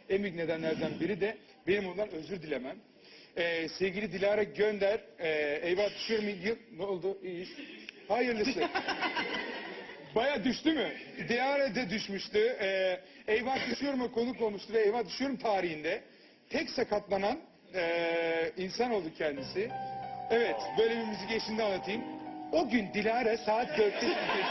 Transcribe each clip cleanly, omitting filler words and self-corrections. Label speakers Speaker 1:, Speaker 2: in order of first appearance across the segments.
Speaker 1: En büyük nedenlerden biri de benim ondan özür dilemem. Sevgili Dilara Gönder, eyvah düşüyor mu? Ne oldu? İyi. Hayırlısı. Baya düştü mü? Dilara da düşmüştü. Eyvah düşüyorum'a konuk olmuştu ve eyvah düşüyorum tarihinde tek sakatlanan insan oldu kendisi. Evet, böyle bir müzik eşliğinde anlatayım. O gün Dilara saat 4'te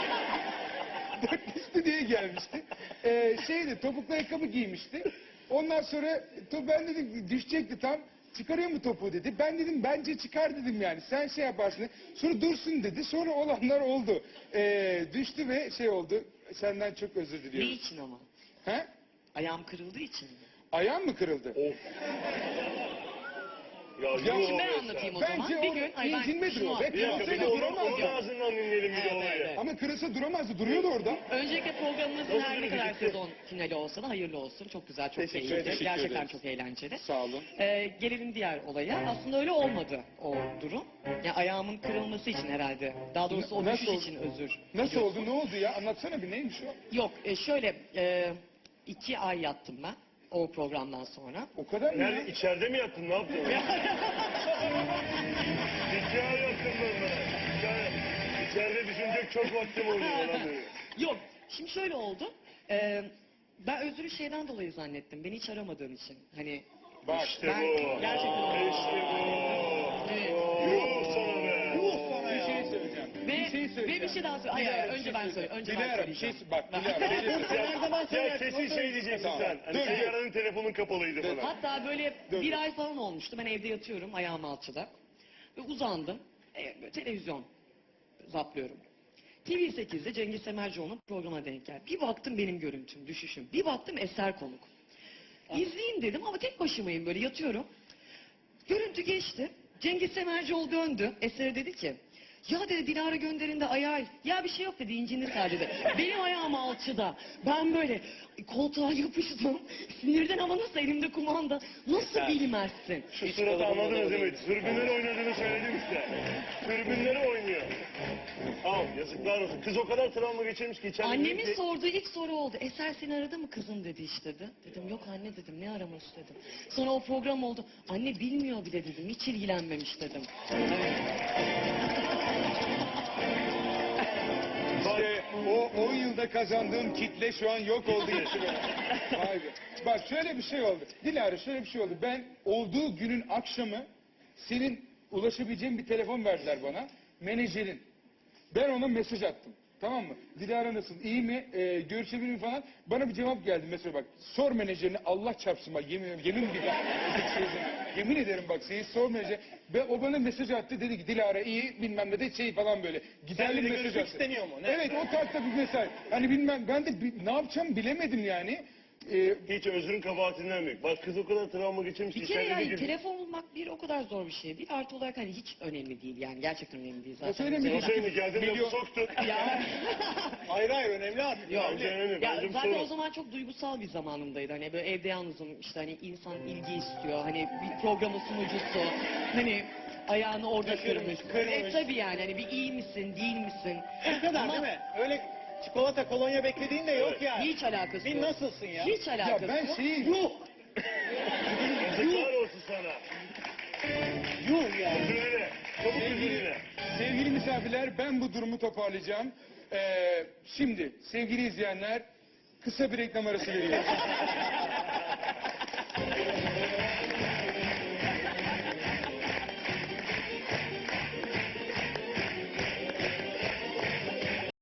Speaker 1: stüdyoya gelmişti. Topuklu ayakkabı giymişti. Ondan sonra ben dedim düşecekti tam. Çıkarıyor mu topuğu dedi. Ben dedim bence çıkar dedim yani. Sen şey yaparsın. Sonra dursun dedi. Sonra olanlar oldu. Düştü ve şey oldu. Senden çok özür diliyorum.
Speaker 2: Ne için ama?
Speaker 1: He?
Speaker 2: Ayağım kırıldığı için mi?
Speaker 1: Ayağın mı kırıldı?
Speaker 3: Of. Ya,
Speaker 2: Şimdi ben anlatayım o zaman.
Speaker 1: Bence
Speaker 2: Bir gün, ay ben
Speaker 1: incinmedir
Speaker 2: şunu
Speaker 1: o. Ve
Speaker 3: bir dakika, bir
Speaker 1: kırılsaydı
Speaker 3: de onun
Speaker 1: duramazdı.
Speaker 3: ağzından dinleyelim bir de olayı.
Speaker 2: Evet.
Speaker 1: Ama kırılsa duramazdı. Duruyordu orada.
Speaker 2: Öncelikle programımızın
Speaker 3: Nasıl
Speaker 2: her ne
Speaker 3: bir
Speaker 2: kadar
Speaker 3: birlikte?
Speaker 2: sezon finali olsa da hayırlı olsun. Çok güzel, çok
Speaker 1: Teşekkür
Speaker 2: keyifli.
Speaker 1: ederiz.
Speaker 2: Gerçekten
Speaker 1: Ederiz.
Speaker 2: çok eğlenceli.
Speaker 1: Sağ olun.
Speaker 2: Gelelim diğer olaya. Aslında öyle olmadı o durum. Yani ayağımın kırılması için herhalde. Daha doğrusu o
Speaker 1: Nasıl
Speaker 2: düşüş
Speaker 1: oldu?
Speaker 2: için özür.
Speaker 1: Nasıl oldu? Ne oldu ya? Anlatsana bir neymiş o?
Speaker 2: Yok, şöyle 2 ay yattım ben o programdan sonra.
Speaker 1: O kadar mı?
Speaker 3: Nerede? İçeride mi yattın? Ne yaptın? Hikaye yattın ben. İçeride düşünecek çok vaktim oldu falan böyle.
Speaker 2: Yok, şimdi şöyle oldu. Ben özürü şeyden dolayı zannettim. Beni hiç aramadığın için. Hani
Speaker 1: Bak.
Speaker 3: İşte
Speaker 2: Ben
Speaker 3: bu.
Speaker 2: gerçekten-
Speaker 3: İşte bu.
Speaker 2: Evet.
Speaker 3: Yuh sana be.
Speaker 1: Bir şey söyleyeceğim.
Speaker 2: Ve bir şey daha söyle. Hayır, önce ben söyleyeyim. Önce ben
Speaker 1: Dilara bir şey
Speaker 2: söyleyeceğim.
Speaker 1: bak Dilara bir şey söyle.
Speaker 3: Ya kesin şey diyeceksin
Speaker 1: Tamam.
Speaker 3: sen. Hani
Speaker 1: Dur,
Speaker 3: senin
Speaker 1: dur.
Speaker 3: aranın telefonun kapalıydı falan.
Speaker 2: Hatta böyle
Speaker 1: Dur.
Speaker 2: bir ay falan olmuştu. Ben evde yatıyorum ayağım alçıda. Ve uzandım. Böyle televizyon zaplıyorum. TV8'de Cengiz Semercioğlu'nun programa denk geldi. Bir baktım benim görüntüm, düşüşüm. Bir baktım Eser konuk. İzleyeyim dedim ama tek başımayım böyle yatıyorum. Görüntü geçti. Cengiz Semercioğlu döndü. Eser dedi ki ya dedi Dilara Gönder'in de ayağı. Ya bir şey yok dedi incinir sadece dedi. Benim ayağım alçıda. Ben böyle koltuğa yapıştım. Sinirden ama nasıl elimde kumanda. Nasıl bilmezsin?
Speaker 3: Şu suratı anladınız değil mi? Tribünleri oynadığını söyledim işte. Tribünleri oynuyor. Tamam yazıklar olsun. Kız o kadar travma geçirmiş ki içeride...
Speaker 2: Annemin sorduğu ilk soru oldu. Eser seni aradı mı kızım dedi işte dedi. Dedim yok anne dedim ne aramış dedim. Sonra o program oldu. Anne bilmiyor bile dedim. Hiç ilgilenmemiş dedim.
Speaker 1: İşte o 10 yılda kazandığım kitle şu an yok oldu gitti be. Vay be. Bak şöyle bir şey oldu. Dilara şöyle bir şey oldu. Ben olduğu günün akşamı senin ulaşabileceğin bir telefon verdiler bana. Menajerin. Ben ona mesaj attım. Tamam mı? Dilara nasıl? İyi mi? Görüşebilir mi falan. Bana bir cevap geldi mesela bak. Sor menajerine Allah çarpsın bak yemin yemin ederim bak seni sor menajer. Ve o bana mesaj attı dedi ki Dilara iyi bilmem ne de şey falan böyle. Giderli mesaj attı.
Speaker 4: istemiyor mu? Ne?
Speaker 1: Evet o tarzda bir mesaj. Hani bilmem ben de ne yapacağım bilemedim yani.
Speaker 3: Hiç özrün kabahatinden büyük. Bak kız o kadar travma geçirmiş ki
Speaker 2: Bir kere
Speaker 3: içeride
Speaker 2: yani
Speaker 3: bir...
Speaker 2: telefon bulmak bir o kadar zor bir şey değil. Artı olarak hani hiç önemli değil yani. Gerçekten önemli değil zaten.
Speaker 1: söylemiyorum.
Speaker 3: O senin geldin lafı
Speaker 1: Milyon-
Speaker 3: soktun.
Speaker 2: Ya,
Speaker 4: Hayır önemli artık.
Speaker 2: Yok.
Speaker 3: Bence önemli.
Speaker 2: Ya
Speaker 3: Bence bu
Speaker 2: zaten
Speaker 3: sorun.
Speaker 2: o zaman çok duygusal bir zamanımdaydı. Hani böyle evde yalnızım işte hani insan ilgi istiyor. Hani bir programın sunucusu. Hani ayağını orada kırmış.
Speaker 4: kırmış.
Speaker 2: Tabii yani hani bir iyi misin değil misin?
Speaker 4: Bu kadar
Speaker 2: Ama
Speaker 4: değil mi? Öyle çikolata kolonya beklediğin de yok yani.
Speaker 2: hiç alakası
Speaker 4: Bir
Speaker 2: yok.
Speaker 4: nasılsın ya?
Speaker 2: Hiç
Speaker 1: Ya
Speaker 2: alakası
Speaker 1: ben
Speaker 2: yok.
Speaker 1: şeyi...
Speaker 3: Yazıklar olsun sana.
Speaker 4: Yuh ya.
Speaker 3: Özür dile. Çabuk özür dile.
Speaker 1: Sevgili misafirler ben bu durumu toparlayacağım. Şimdi sevgili izleyenler kısa bir reklam arası veriyoruz.